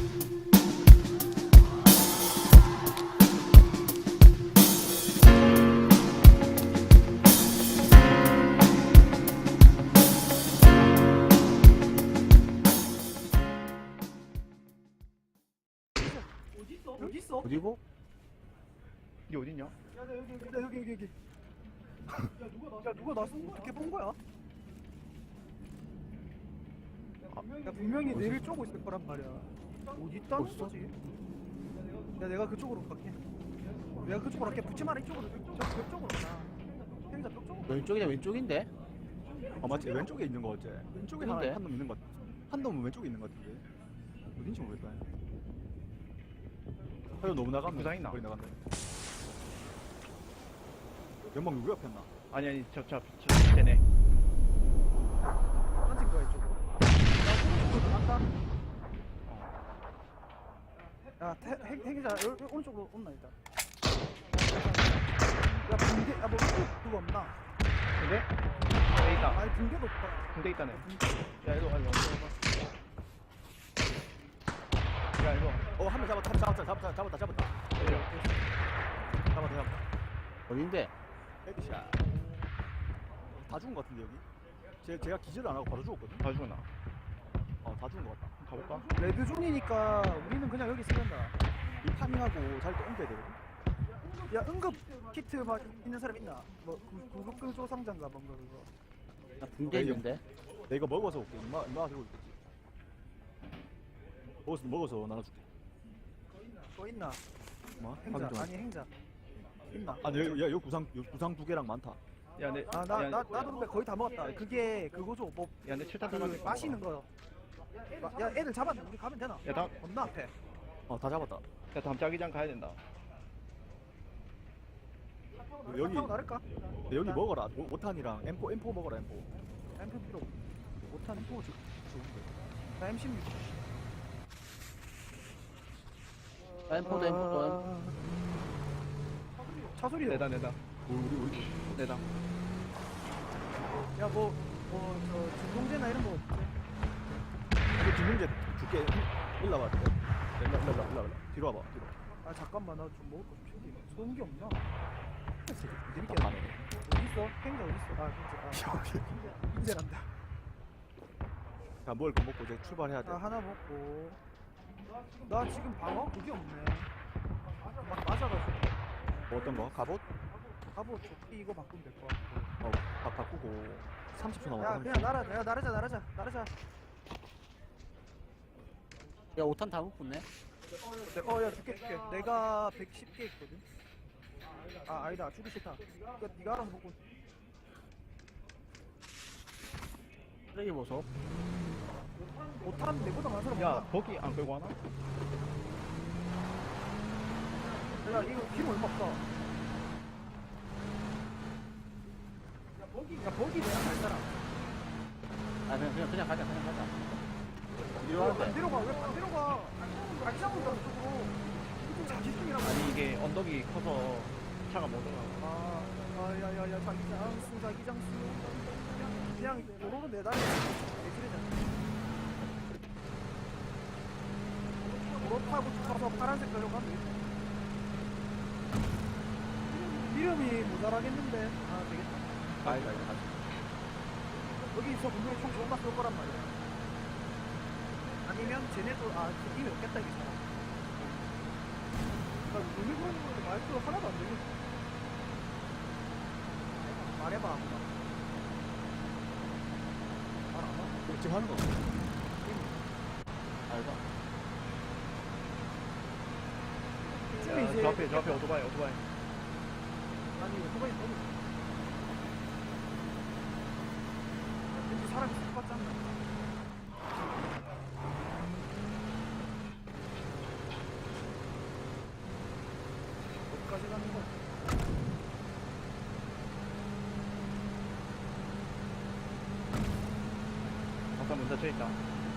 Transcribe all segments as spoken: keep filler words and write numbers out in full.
여기 있어? 어디고? 니 어딨냐? 야, 나 여기 여기 나 여기 여기 여기. 야 누가 나? 야 누가 나 어떻게 본 거야? 야 분명히 어디서? 내를 쪼고 있을 거란 말이야. 어디 있다는 어딨어? 거지? 야 내가 그쪽으로 갈게. 내가 그쪽으로 갈게. 붙지 마라 이쪽으로. 저 그쪽으로 가. 행자 쪽쪽으로. 왼쪽이냐 왼쪽인데? 아 맞지 왼쪽에 있는 거 어째? 왼쪽에 하나 그런데? 한 놈 있는 것 같- 한 놈은 왼쪽에 있는 것 같은데 어딘지 모르겠다. 하여 너무 나갔네. 부상 있나? 거의 나갔네. 연막 누구 옆에 나? 아니 아니 저저 저 쟤네 던진 거야 이쪽으로. 야 오른쪽으로 나갔다. 야 태, 행, 행자 여- 여- 오른쪽으로 온나 일단. 야 붕대 야뭐 그거 없나? 근데? 붕대 있다 아니 붕대도 없다. 붕대 있다네 붕대. 야 이리 와 이리 와 야 이리 와 어 한 명 잡았다. 한 명 잡았다. 잡았다. 잡았다. 잡았다. 이리 와. 잡았다. 잡았다. 어딘데? 헤드샷. 다 죽은 것 같은데 여기? 제 제가 기절을 안 하고 바로 죽었거든. 다 죽었나? 어다 죽은 것 같다. 가볼까? 레드존이니까 우리는 그냥 여기 있으면 된다. 이 파밍하고 잘 또 옮겨야 되거든. 야 응급 키트 막 있는 사람 있나? 뭐 구- 구급 조상자인가 뭔가 그거. 나 붕대 여기. 있는데? 내가 이거 먹어서 올게. 엄마 엄마가 들고 있겠지. 먹어서 먹어서 나눠줄게. 또 있나? 뭐? 행자 확인 좀 아니 행자 있나? 아, 야, 야, 여기 구상, 여기 구상 두 개랑 많다. 야내 아 나 나 나도 근데 거의 다 먹었다. 그게 그거죠 뭐 야내 칠탄 그 들어가게 마시는 거. 마- 야 애들 잡았네. 우리 가면 되나? 야다 겁나 앞에. 어, 다 잡았다. 야 다음 자기장 가야 된다 여기, 타고 나를까? 여기 먹어라. 오- 오탄이랑 엠포, 엠포 먹어라, 엠포. 엠프 필요. 못한 엠프 주 좋은데. 나 엠십육. 엠포도 엠포도 차 소리. 내다 내다 우리, 우리, 내다 야뭐뭐저 진동제나 이런 거 없지? 이거 뒷문제 줄게. 일로 와봐. 일로, 일로, 일로, 일로, 일로. 뒤로 와봐, 뒤로. 아 잠깐만 나 좀 먹을 거좀 챙기. 쏘는 게 없나? 재밌게 가네. 어디 있어? 행자 어디 있어? 아 행자. 아 hin제란다. 자, 먹을 거 먹고 이제 출발해야 돼. 나 하나 먹고. 나 지금 방어 그게 없네. 막 맞아가지고. 뭐 어떤 거? 갑옷? 갑옷 조끼 이거 바꾸면 될 것 같고. 어, 바, 바꾸고. 삼십 초 야 남았다. 그냥 날아. 야 나르자 나르자 나르자. 야 오탄 다 묶었네? 어야 줄게 줄게. 내가 백십 개 있거든. 아 아니다 주기 싫다. 그니까 니가 알아서 먹고. 쓰레기 보소. 못하면 내보다 많은 사람 야 없나? 거기 안 끌고 하나? 야 이거 기름 얼마 없어. 야 버기 야 버기 내가 갈 사람. 아 그냥 그냥 그냥 가자 그냥 가자. 왜 이러는데 반대로 가? 왜 반대로 가? 같이 하고 있다 이쪽으로. 이쪽 자기 중이라고. 아니 이게 언덕이 커서 차가 못 올라가 아, 아, 야, 야, 야, 자기장 수, 자기장 수. 그냥 도로로 내다니. 내지르잖아. 도로 타고 가서 파란색 별로 가면 되겠다. 이름이 모자라겠는데. 아, 되겠다. 아니다, 아니다. 여기서 분명히 총 존나 쏠 거란 말이야. 아니면 쟤네도, 아, 이미 없겠다, 이게 사람. 나 눈이 보이는 건데 말투가 하나도 안 되겠어. 말해봐. 말 안 와? 지금 하는 거. 알바. 이쯤에 야, 이제. 저 앞에 저 앞에 오토바이 오토바이 아니, 오토바이 너무. 왠지 사람이 똑같지 않나? 어디까지 가는 거야? 아까 문 닫혀 있다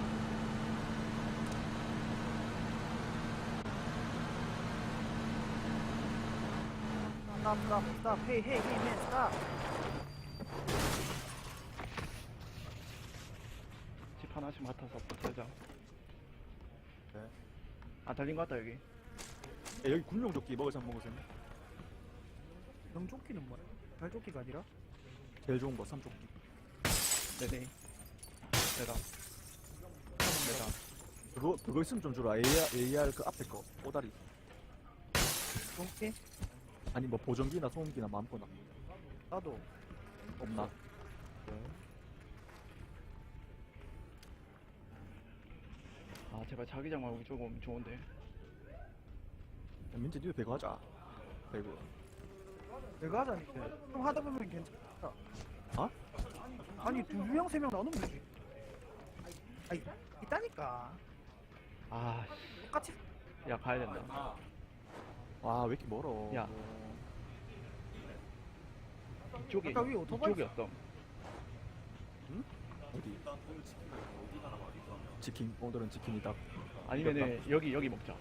Stop, stop, stop. Hey, hey, hey, man, stop. 집 하나씩 맡아서 버텨자 네. 아 달린 것 같다 여기. 야, 여기 군용조끼 먹을 사람 먹으세요. 명조끼는 뭐야? 발조끼가 아니라? 제일 좋은 거 삼조끼. 네네. 내다. 내다. 그거 그거 있으면 좀 주라. 에이알, 에이알 그 앞에 거 꼬다리. 명조끼? 아니 뭐 보정기나 소음기나 마음껏나. 나도. 없나? 아 제발 자기장 말고 조금 오면 좋은데. 야, 민재 니도 배그 하자. 배그. 내가 하자니까. 형 하다 보면 괜찮다. 어? 아니 두 명, 세 명 나누면 되지. 아니 있다니까. 아, 똑같이. 씨. 야 가야 된다. 와 왜 이렇게 멀어? 야. 이쪽이 아까 위에 오토바이 이쪽이었어. 어디? 치킨. 오늘은 치킨이다. 아니면은 여기 여기 먹자.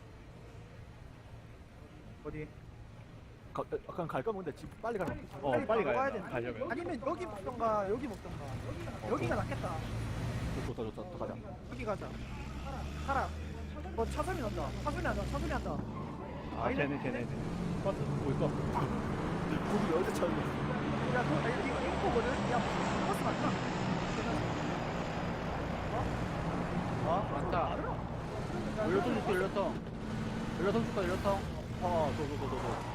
어디? 가, 약간 갈까 본데 집 빨리 가면. 어 빨리 빨리 가야 가야 된다. 돼. 가려면. 아니면 여기 먹던가 여기 먹던가. 여기가 낫겠다. 좋다 좋다 좋다 가자. 여기 가자. 가라. 어 차소리 난다. 차소리 난다. 차소리 난다. 아 쟤네 쟤네. 쟤네. 버스 보일까? 우리 어디 찾는? 야, 그, 아니, 이거 인포거든? 야, 버스 맞나? 아 많다. 야, 연료통 줄게, 연료통. 연료통 줄까, 연료통. 아, 저저저저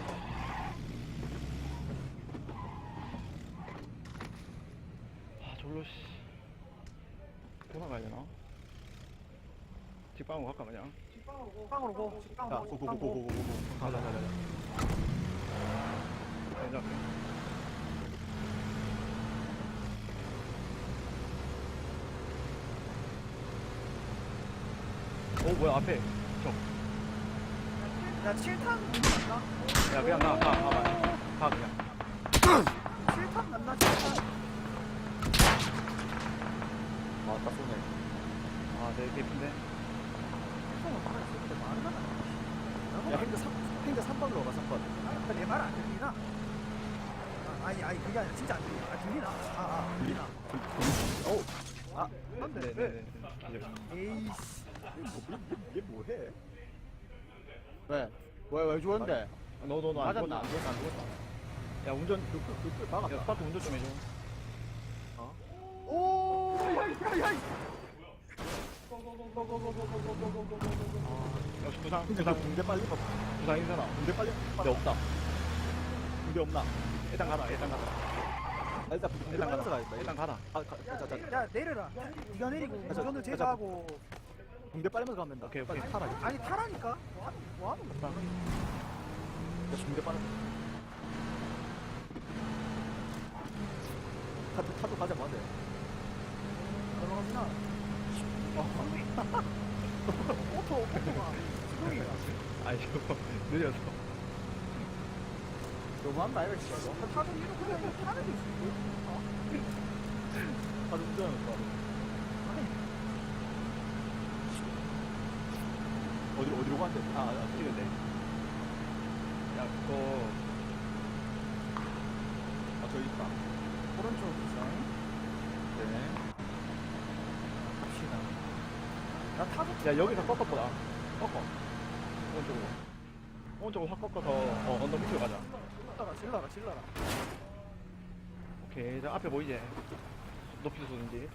아 졸로 씨. 돌아가야 되나? 직방으로 갈까 그냥? 빵으로 고. 빵 야, 고 고고고고고고. 가자 가자 가자. 괜찮게. 오 뭐야 앞에 저. 야, 칠 탄 맞나? 야 그냥 가 가 가 가 그냥. 칠 탄 맞나? 칠 탄. 아, 딱 쏘네. 아내 개핀데. 형은 말을 했을 때 말은 안 해. 야, 행자 삼, 행자 삼 번으로 가, 삼 번. 내말 안 들리나? 아, 아니, 아니, 그게 아니라 진짜 안 들리나? 아, 들리나? 아, 아, 들리나? 어우, 아, 안돼. 네네네. 에이씨. 얘 뭐해? 왜? 왜, 왜 죽었는데? 너너너 안 맞았나? 죽었나? 안 죽었나? 안 죽었나? 야 운전 그, 그, 그, 그, 막았다. 야 스파트 운전 좀 해줘. 오, 야, 야, 야. 역시 부상 근데 부상 그 붕대 빨리 봐. 부상 인사나. 붕대 빨리. 근데 없다. 붕대 없나? 일단 가라 일단 가라. 아, 일단 붕대 일단 빨리 가라. 가야겠다. 일단 가라. 아, 가, 자, 자, 자. 야, 내려라. 네가 내리고 가자, 운전을 가자. 제거하고. 붕대 빨리면서 가면 된다. 오케이, 빨리 오케이. 타라. 야, 아니, 타라니까? 뭐 하는, 뭐 하는 거야? 붕대 빨리. 타도, 타도 가자, 뭐 돼? 넘어가구나. 오토, 오토가. 수동이야. 아이 저거 느려서. 너무한다, 이거 진짜. 타도 이렇게 그냥 타는 게 있어. 타도 운전하는 거. 어디로, 어디로 간대? 아, 아, 찍은데. 야 그거 아, 저기 있다. 오른쪽 디자인. 네. 갑시다. 나 타도 야 여기서 꺾어보다. 꺾어. 오른쪽으로. 오른쪽으로 확 꺾어서 어 언덕 밑으로 가자. 타다가 질러라, 질러라. 오케이 저 앞에 보이지? 높이서 쏘는지.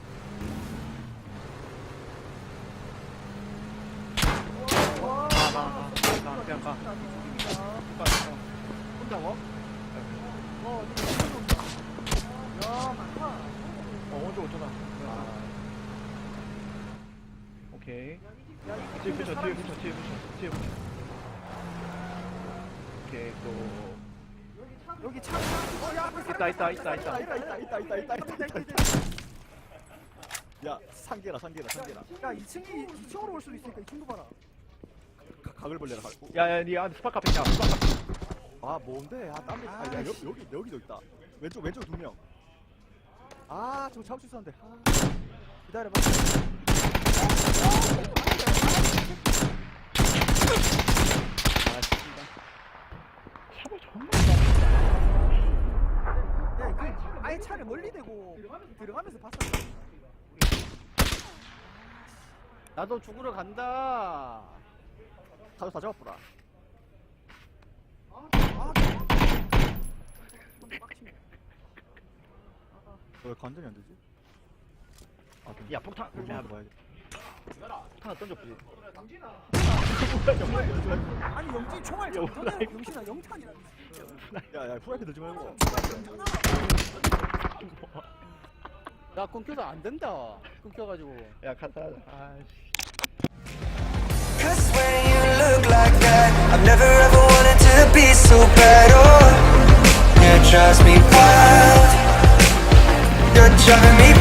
와, 가, 가, 가. 가, 그냥 가. 가, 가. 혼자고? 어, 어디 온다. 야, 많다. 어 오른쪽으로 쳐다. 오케이. 야, 이거 뒤에 근데 붙여, 사람 뒤에 붙여, 뒤에 붙여, 뒤에 붙여. 오케이, 또. 여기 차. 어, 야, 앞에 있다, 있다, 있다, 있다, 있다. 있다, 있다, 있다, 있다, 있다, 있다, 있다, 있다, 있다. 있다. 야, 상계라, 상계라, 상계라. 야, 이 층이 이 층으로 올 수도 있으니까 이 층도 봐라. 가- 각을 벌려라, 각. 야, 야, 니 안에 스파 카페 있다, 스파 카페. 아, 뭔데? 아, 땀. 아, 야, 여기, 여기, 여기도 있다. 왼쪽, 왼쪽 두 명. 아, 저거 잡을 수 있었는데. 아. 기다려봐. 아, 진짜. 샵을 정말 잘한다. 야, 그 아예 차를 멀리 대고 들어가면서 봤어. 나도 죽으러 간다. 사조 다 잡아보라. 아, 빡치네. 왜 관전이 안 되지? 아, 야 폭탄 야 뭐야? 하나 던져보지. 아니 영진 총알 야, 전에 영신아 영탄이라. 야야 프라이팬 들지 말고. 야, 끊겨서 안 된다. 끊겨가지고. 야 간다. 아씨. Cause when you look like that, I've never ever wanted to be so bad. Oh, yeah, it drives me wild. You're driving me